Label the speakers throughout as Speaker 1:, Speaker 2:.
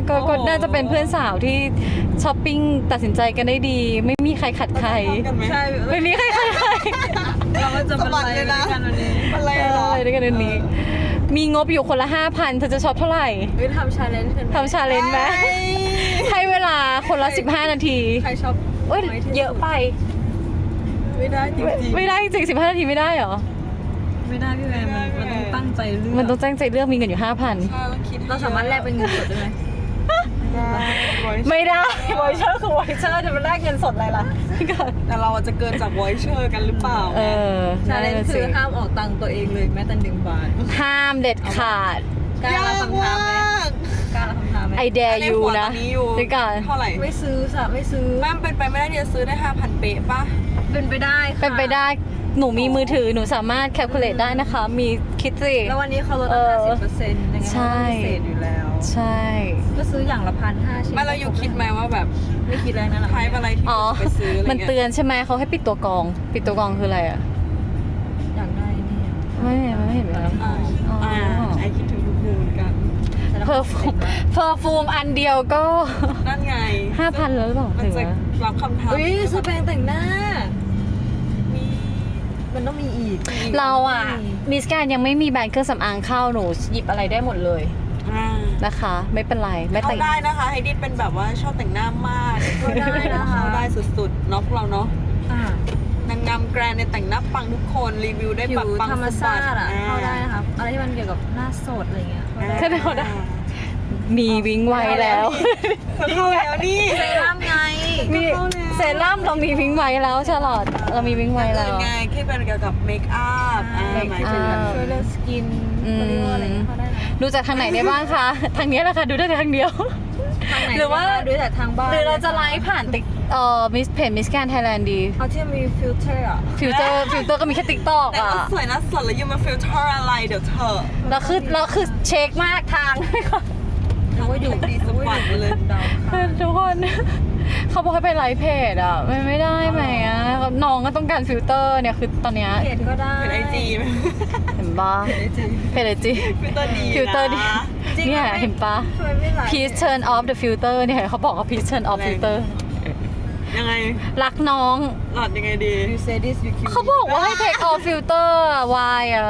Speaker 1: ก็น่าจะเป็นเพื่อนสาวที่ช้อปปิ้งตัดสินใจกันได้ดี ไม่มีใครขัดใคร
Speaker 2: ใช่
Speaker 1: ไม่มีใครขัดใคร
Speaker 2: เราก็จะมาเลยนะกันวันนี้
Speaker 3: อะไรหรอ
Speaker 1: ด้วยกันนี้ มีงบอยู่คนละ 5,000 เธอจะช็อปเท่าไหร่
Speaker 2: ทำชาเลนจ์กัน
Speaker 1: ทำชาเลนจ์ไหมให้เวลาคนละ15 นาที
Speaker 2: ใครชอบ
Speaker 1: เอ้ยเยอะไป
Speaker 2: ไม่ได้จริง
Speaker 1: ไม่ได้จริง15 นาทีไม่ได้เหรอ
Speaker 2: ๆไม่ได้พี่แมนมันต้องตั้งใจเลือก
Speaker 1: มันต้องตั้งใจเลือกมีเงินอยู่ 5,000
Speaker 2: เราสามารถแลกเป็นเงินสดได้ไหม
Speaker 1: ไม่ได้วอยเชอร์คือวอยเชอร์จะมาแลกเงินสดอะไรล่ะพี่ก่อน
Speaker 3: แต่เราจะเกินจาก voicer กันหรือเปล่า
Speaker 2: ชาเลนจ์คือห้ามออกตังค์ตัวเองเลยแม้แต่1 บาท
Speaker 1: ห้ามเด็ดขาด
Speaker 2: กล้ารับคำท้าไหมกล้ารับคำท้าไหม
Speaker 1: I dare you นะ
Speaker 3: ตอนนี้อยู่
Speaker 1: พี่ก่อน
Speaker 3: เท่าไหร่
Speaker 2: ไม่ซื้อไม่ซื้อ
Speaker 3: แม่มันเป็นไปไม่ได้ที่จะซื้อได้ 5,000 เป๊ะป่ะ
Speaker 2: เป็นไปได้ค่ะ
Speaker 1: เป็นไปได้หนูมีมือถือหนูสามารถแคลคูลเลตได้นะคะ มีคิดสิ
Speaker 2: แล้ววันนี้เขาลดตั้ง50%ยังไงมันก็พิเศษอยู่แล้ว
Speaker 1: ใช่
Speaker 2: ก็ซื้ออย่างละ1,500ชิ้น
Speaker 3: ไม่เราอยู่คิดไหมว่าแบบ
Speaker 2: ไม่คิดอะไรนั่นแหละ
Speaker 3: ไทป์อะไรที่
Speaker 1: อ๋อ
Speaker 3: ไปซื้ออะไร
Speaker 1: มัน
Speaker 3: เงี้ย
Speaker 1: เตือนใช่ไหมเขาให้ปิดตัวกรอง ปิดตัวกรองคืออะไรอ่ะ
Speaker 2: อยากได้นี่อะ
Speaker 1: ไม่เห็นไหม
Speaker 3: ไอคิดถึงทุกมูเหมือนกัน
Speaker 1: เพอร์ฟูมอันเดียวก็
Speaker 3: นั่นไง
Speaker 1: 5,000แล้วหรือเปล่า
Speaker 3: มัน
Speaker 1: ถึง
Speaker 3: จะ
Speaker 1: ไหม
Speaker 3: รับคำถาม
Speaker 2: อุ้ยซื้อแปรงแต่งหน้า
Speaker 3: มี
Speaker 2: มันต้องมีอีก
Speaker 1: เราอ่ะมิสแกนยังไม่มีแบรนด์เครื่องสำอางเข้าหนูหยิบอะไรได้หมดเลยนะคะ ไม่เป็นไรไม่
Speaker 3: เข้า
Speaker 1: แต่ง
Speaker 3: ได้นะคะไฮดิสเป็นแบบว่าชอบแต่งหน้ามาก
Speaker 2: เข้าได้นะคะ
Speaker 3: เข้าได้สุดๆเนาะพวกเราเนาะ
Speaker 2: อ่ะ
Speaker 3: นางงามแกรนในแต่งหน้าปังทุกคนรีวิวได้
Speaker 2: ผิ
Speaker 3: แบบ
Speaker 2: ว
Speaker 3: ปัง
Speaker 2: ธรรม
Speaker 3: สะบั
Speaker 2: ชา
Speaker 3: ด
Speaker 2: ติอ่ะเข้าได้นะครับอะไรที่มันเกี่ยวกับหน้าสดอะไรเงี้ยเข้าได้
Speaker 1: ก็ได้มีวิ้งไว้แล้ว
Speaker 3: เข้าแล้วนี่
Speaker 2: เซรั่มไง
Speaker 1: มีเซรั่มเรามีวิ้งไว้แล้วชาลอตเรามีวิ้งไว้แล้ว
Speaker 3: ไงที่เป็นเกี่ยวกับเมคอัพ
Speaker 1: เมคอัพ
Speaker 3: หมายถึง
Speaker 2: ช่วยเรื่องสกินเขาเรียกว่าอะไรเงี้ยเข้าได้นะ
Speaker 1: ดูจากทางไหนได้บ้างคะ ทางนี้แหละค่ะดูได้แต่ทางเดียว
Speaker 2: ทางไหน
Speaker 1: หรือว่า
Speaker 2: ดูแต่ทางบ้าน
Speaker 1: หรือเราจะไลฟ์ผ่านติ๊กมิสเพจมิสแกนไทยแลนด์ดี
Speaker 2: เอาที่มีฟิลเตอร์อ่ะ
Speaker 1: ฟิลเตอร์ก็มีแค่ติ๊กต็อก
Speaker 3: แต่
Speaker 1: อ่ะ
Speaker 3: ว่าสวยนะสดแล้วยังมาฟิลเตอร์อะไรเดี๋ยวเธอ
Speaker 1: เราคือเช็คมากทาง
Speaker 2: หรือว่าอยู่
Speaker 3: ดีสปอร์ตไปเลย
Speaker 2: ดาวค่ะ
Speaker 1: ทุกคน เขาบอกให้ไปไลฟ์เพจอ่ะไม่ได้ไหมอ่ะน้องก็ต้องการฟิลเตอร์เนี่ยคือตอนเนี้ย
Speaker 2: เพจก็ได้
Speaker 3: เป็นไอจี
Speaker 1: เห็นปะเพจไอจี
Speaker 3: ฟิลเตอร์ดี
Speaker 1: ฟิลเตอร์ดี
Speaker 2: จริง
Speaker 1: เนี่ยเห็นปะ
Speaker 2: ทำไมไม่ไลฟ์
Speaker 1: please turn off the filter เนี่ยเขาบอกว่า please turn off filter
Speaker 3: ยังไง
Speaker 1: รักน้อง
Speaker 3: หลอดยังไงดี
Speaker 2: you say this you kill
Speaker 1: เขาบอกว่าให้ take off filter อะ why อะ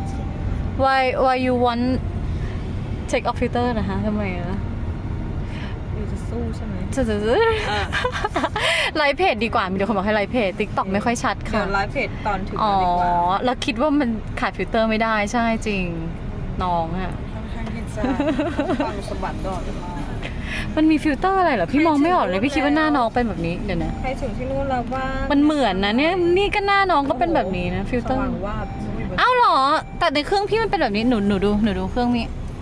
Speaker 1: why you want take off filter นะคะทำไมอะ
Speaker 2: อยู่จะสู้ใช่ไหม
Speaker 1: ไลฟ์เพจดีกว่า มีเดี๋ยวคนบอกให้ไลฟ์เพจ TikTok ไม่ค่อยชัด
Speaker 2: เดี๋ย
Speaker 1: ค่ะ
Speaker 2: วไลฟ์เพจตอนถึง
Speaker 1: อ๋อ
Speaker 2: ดีกว่า
Speaker 1: แล้วคิดว่ามันขาดฟิลเตอร์ไม่ได้ใช่จริง น้องอะ
Speaker 3: ค่อนข้างที่จะฟังสะบัดดอด
Speaker 1: มันมีฟิลเตอร์อะไรเหรอ พี่มองไม่ออกเลย พี่คิดว่าหน้าน้องเป็นแบบนี้ เดี๋ยวนะ
Speaker 2: ใครถึงที่นู่นแล้วบ้าง
Speaker 1: มันเหมือนนะเนี่ย นี่ก็หน้าน้องก็เป็นแบบนี้นะ ฟิลเตอร์
Speaker 2: สว่างวาบ
Speaker 1: อ้าวเหรอ แต่ในเครื่องพี่มันเป็นแบบนี้ หนูดูเครื่องนี้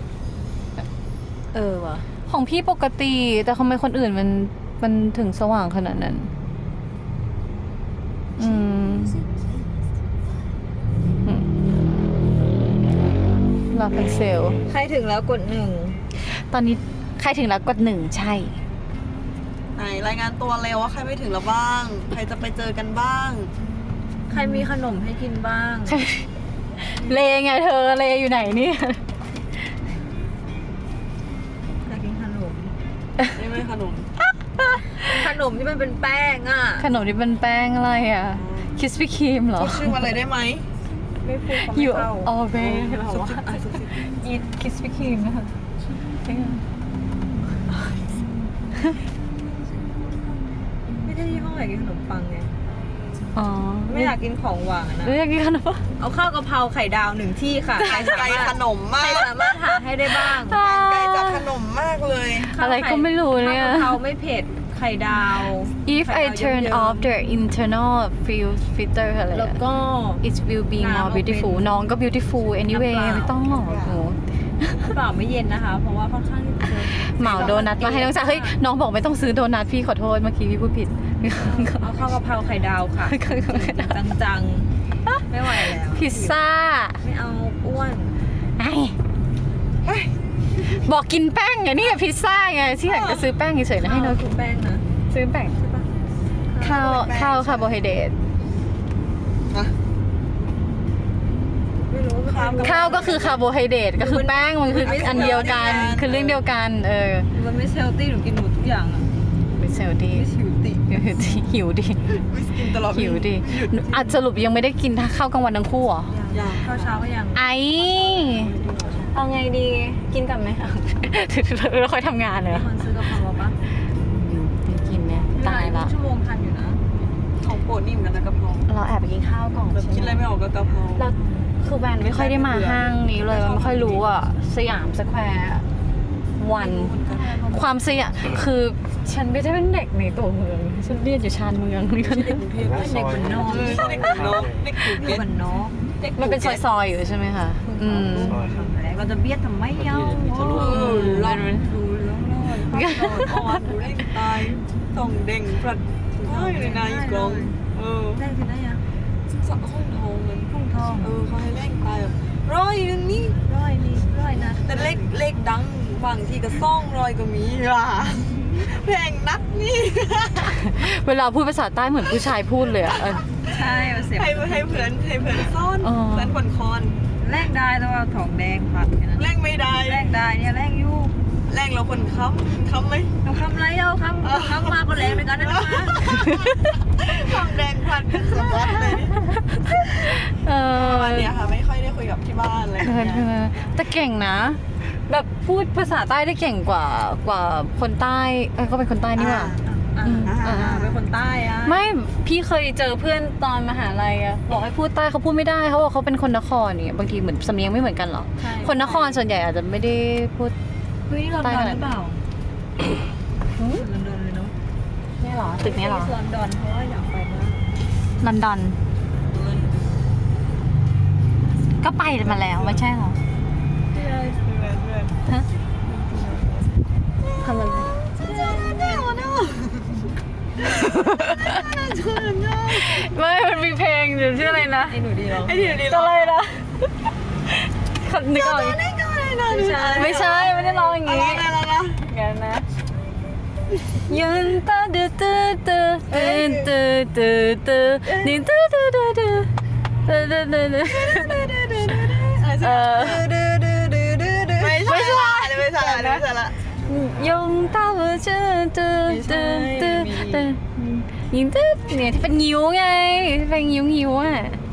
Speaker 1: ว่ะ ของพี่ปกติ แต่ทำไมคนอื่นมันถึงสว่างขนาดนั้น ลาพันเซล
Speaker 2: ใครถึงแล้วกด1
Speaker 1: ตอนนี้ใครถึงแล้วกด1ใช่
Speaker 3: ไหนรายงานตัวเร็วว่าใครไม่ถึงแล้วบ้าง ใครจะไปเจอกันบ้าง
Speaker 2: ใครมีขนมให้กินบ้าง
Speaker 1: เลไงเธอ เลอยู่ไหนเนี่ย
Speaker 2: อยากกินขนม
Speaker 3: ไม่ขนม
Speaker 2: ขนมที่มันเป็นแป้งอ่ะ
Speaker 1: ขนมที่เป็นแป้งอะไรอ่ะ คิสปี้ครีมเหรอ
Speaker 3: พูดชื่อมาเลยได้ไหม
Speaker 2: ไม่พูดเขาไม่
Speaker 1: อยู่
Speaker 2: เข้า
Speaker 1: ออเรเหรอวะ
Speaker 3: ซุบซิบ
Speaker 1: อีทคิสปี้ครีมนะคะ
Speaker 2: ไม่ได้ที่ห้องอยากกินขนมปังไง
Speaker 1: อ๋อ
Speaker 2: ไม่อยากกินของหวานนะ
Speaker 1: แล้วอยากกินขนมปัง
Speaker 2: เอาข้าวกะเพราไข่ดาว1 ที่ค่ะ ใครสา
Speaker 3: ไกล
Speaker 2: มารถ
Speaker 3: ขนมมา
Speaker 2: ใคร
Speaker 3: ก
Speaker 2: สามารถหาให้ได้บ้าง
Speaker 3: ไกลจากขนมมากเลย
Speaker 1: อะไรก็ไม่รู้เนี่ย
Speaker 2: ข้าวกะเพราไม่เผ็ดไข่ดาว
Speaker 1: If I turn off the internal filter อะไร
Speaker 2: แล้วก็
Speaker 1: it will be
Speaker 2: น้ำ
Speaker 1: more
Speaker 2: เอาเป็น
Speaker 1: beautiful น้องก็ beautiful anyway
Speaker 2: น้ำเปล่า
Speaker 1: ไม่ต้องหรอกโห
Speaker 2: เปล่าไม่เย็นนะคะ เพราะว่าค่อนข้างที่จะ
Speaker 1: เหมาโดนัทมาให้น้องจ๋าเฮ้ยน้องบอกไม่ต้องซื้อโดนัทพี่ขอโทษเมื่อกี้พี่พูดผิด
Speaker 2: เอาข้าวกะเพราไข่ดาวค่ะจังๆไม่ไหวแล้ว
Speaker 1: พิซซ่า
Speaker 2: ไม่เอาอ้วน
Speaker 1: ไอ้บอกกินแป้งไงนี่พิซซ่าไงที่อยากจะซื้อแป้งเฉยๆนะให้น้อง
Speaker 2: คือแป้งนะ
Speaker 1: ซื้อแป้ง
Speaker 2: ใช่ปะ
Speaker 1: ข้าวคาร์โบไฮเดรต
Speaker 3: ฮะ
Speaker 2: ไม่รู้
Speaker 1: ข้าวก็คือคาร์โบไฮเดรตก็คือแป้งมันคืออันเดียวกันคือเรื่องเดียวกัน
Speaker 2: มันไม่เซลตี้หนูกินหมดทุกอย่างอ่ะ
Speaker 1: ไม่เซลดี
Speaker 2: ไม่ชิวติ
Speaker 1: หิวดิ
Speaker 3: วิสกินตลอด
Speaker 1: หิวดิอาจสรุปยังไม่ได้กินข้าวกลางวันทั้งคู่เหรอ
Speaker 3: ยัง
Speaker 2: ข้าวเช้าก็ยัง
Speaker 1: ไอเอาไงดีกินกันไหมเราค่อยทำงานเลย
Speaker 2: คนซื้อกะเพราปะ
Speaker 1: กินเนี่ยตายละ
Speaker 2: ชั่วโมงทันอยู่นะ
Speaker 3: ของโปรดนี่เหมือนกันนะกะเพรา
Speaker 1: เราแอบไปกินข้าวก่อน
Speaker 3: แบบคิดอะไรไม่ออกกับกะเพรา
Speaker 1: เราคือแวนไม่ค่อยได้มาห้างนี้เลยมันไม่ค่อยรู้อ่ะสยามสแควร์วันความสยามคือฉันไม่ได้เป็นเด็กในตัวเมืองฉันเรียนอยู่ชานเมืองนี่ก็
Speaker 3: เด็กกรุงเทพ
Speaker 2: เด็กเหมือนน้อง
Speaker 3: เด็กเหมือนน้องเด็กกรุงเท
Speaker 2: เด็ก
Speaker 3: พ
Speaker 2: เหมือนน้อง
Speaker 1: มันเป็นซอยๆอยู่ใช่ไหมคะ
Speaker 2: เราจะเบียดทำไมเย้า
Speaker 3: ลองดูแล้วอ่อนดูได้ตายส่งเด้งพลัดได้เลยนายกลอง
Speaker 2: ได้ที่ไหนอ่ะ
Speaker 3: สักห้องทองเงิน
Speaker 2: พุ่งทอง
Speaker 3: เขาให้เร่งตายแบบร้อยนึงนี่
Speaker 2: ร้อยนะ
Speaker 3: แต่เลขดังบางทีก็200ก็มีว่ะแพงนักนี่
Speaker 1: เวลาพูดภาษาใต้เหมือนผู้ชายพูดเลยอ่ะ
Speaker 2: ใช่เอาเสียง
Speaker 3: ให้เพื่อนซ่อนเพื่อนคนคอน
Speaker 2: แลกได้แต่ว่าทองแดงผัดกันนะ
Speaker 3: แรงไม่ได้
Speaker 2: แลกได้เนี่ยแลกอยู่
Speaker 3: แรงเราคนค้ำไหม
Speaker 2: เราคำไรเอาคำมาก็แรงไปกันนะจ๊ะ
Speaker 3: ทองแดงพันเป็นสมบัติเลยวันนี้ค่ะไม่ค่อยได้คุยกับที่บ้านเลย
Speaker 1: แต่เก่งนะ แบบพูดภาษาใต้ได้เก่งกว่าคนใต้ก็เป็นคนใต้นี่หว่า
Speaker 2: เป็นคนใต้อะ
Speaker 1: ไม่พี่เคยเจอเพื่อนตอนมหาลัยอะบอกให้พูดใต้เขาพูดไม่ได้เขาบอกเขาเป็นคนนครเนี่ยบางทีเหมือนสำเนียงไม่เหมือนกันหรอคนนครส่วนใหญ่อาจจะไม่ได้พูด
Speaker 2: เฮ้ยลอนดอนหรือเปล่าลอนดอนเลยเนาะ
Speaker 1: นี่หรอตึกนี้หรอ
Speaker 2: ลอนดอนเพราะว่าอยากไปมาก
Speaker 1: ลอนดอนก็ไปมาแล้วไม่ใช่หรอฮะทำอะไรไม่มันมีเพลงหรือชื่ออะไรนะ
Speaker 2: ไอ้หนูดีเหรอ
Speaker 1: อะไรนะนึกออกไม่ใช่ไม่ได้ร้องอย่างงี้งั้นนะยืนตาดื้อตื้อตื้อตื้อตื้อตื้อนี่ตื้อตื้อตื้อตื้อตื้อตื้อตื้อ
Speaker 3: ไม่ใช่ละ
Speaker 1: 用到我这ตื้อตื้อตื้อตื้อยิงตื้อเนี่ยที่เป็นงิ้วไงที่เป็นงิ้วอ่ะ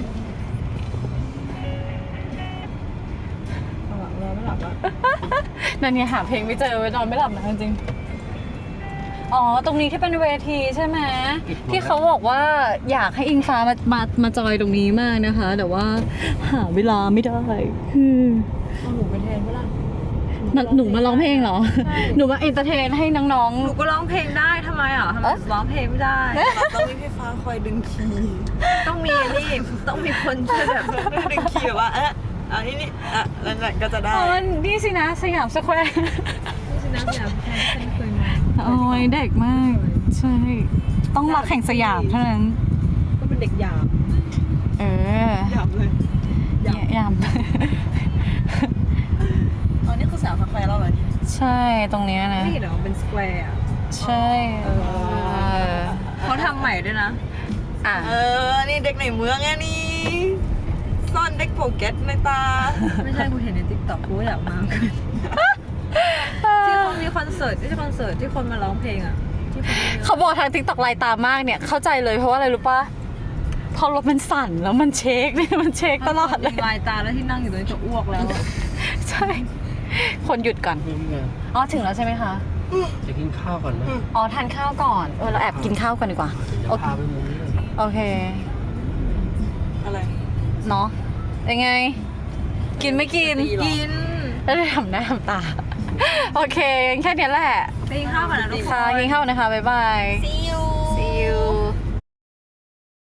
Speaker 1: นั่นไงหาเพลงไม่เจอนอนไม่หลับนะจริงอ๋อตรงนี้ที่เป็นเวทีใช่ไหมที่เขาบอกว่าอยากให้อิงฟ้ามาจอยตรงนี้มากนะคะ แต่ว่าหาเวลาไม่ได้
Speaker 2: เอาหนูไปแทนเมื่อไหร่
Speaker 1: หนูมาร้องเพลงเหรอหนูมาเอนเตอร์เทนให้น้อง
Speaker 2: หนูก็ร้องเพลงได้ทำไมอ่ะทำไมร้องเพลงไม่ได้
Speaker 3: ต้องมีพี่ฟ้าคอยดึงคีย์
Speaker 2: ต้องมีนี่ต้องมีคนช่วยแบบ
Speaker 3: ดึงคีย์แบบว่าอันนี้แล้วนั่นก็จะ
Speaker 1: ๆ
Speaker 3: ได้
Speaker 1: อ๋อนี่สินะสยามสแควร์
Speaker 2: นี่สินะสยามแทนเคยมา
Speaker 1: โอ้ยเด็กมากใช่ต้องรักแข่งสยามเท่านั้น
Speaker 2: ก็เป็นเด็กหยาบ
Speaker 3: หยับเลย
Speaker 1: ยาม
Speaker 3: อ๋อนี่คือสาวคาเฟ่แล้วเหรอนี่
Speaker 1: ใช่ตรงเนี้ยนะ
Speaker 2: นี่เหรอเป็นสแควร์อ่ะ
Speaker 1: ใช่
Speaker 2: เขาทำใหม่ด้วยนะ
Speaker 3: นี่เด็กในเมืองไงนี่ซ่อนเด็กโปเก็ตในตา
Speaker 2: ไม่ใช่กูเห็นในติ๊กต็อกกูอยากมาที่เขามีคอนเสิร์ตที่คอนเสิร์ตที่คนมาร้องเพลงอ่ะที่คน
Speaker 1: เขาบอกทาง TikTok ลายตามากเนี่ยเข้าใจเลยเพราะว่าอะไรรู้ป่ะพอรถมันสั่นแล้วมันเช็คเนี่ยมันเช็คตลอดเลย
Speaker 2: ลายตาแล้วที่นั่งอยู่ตรงนี้จะอ้วกแล้ว
Speaker 1: ใช่คนหยุดก่อนอ๋อถึงแล้วใช่ไหมคะ
Speaker 4: จะกินข้าวก่อนไหม
Speaker 1: อ๋อทานข้าวก่อนเราแอบกินข้าวก่อนดีกว่า
Speaker 4: เดี๋ยวพาไปมุมนี้เลย
Speaker 1: โอเค
Speaker 3: อะไร
Speaker 1: เนาะยังไง กินไม่กิน
Speaker 2: กิน
Speaker 1: แล้วได้ทำหน้าทำตาโอเคงั้นแค่เนี้ยแหละ
Speaker 2: ไปกินข้าวก่อนนะทุกค
Speaker 1: ค่ะ
Speaker 2: น
Speaker 1: กินข้าวนะคะบ๊ายบาย
Speaker 3: See you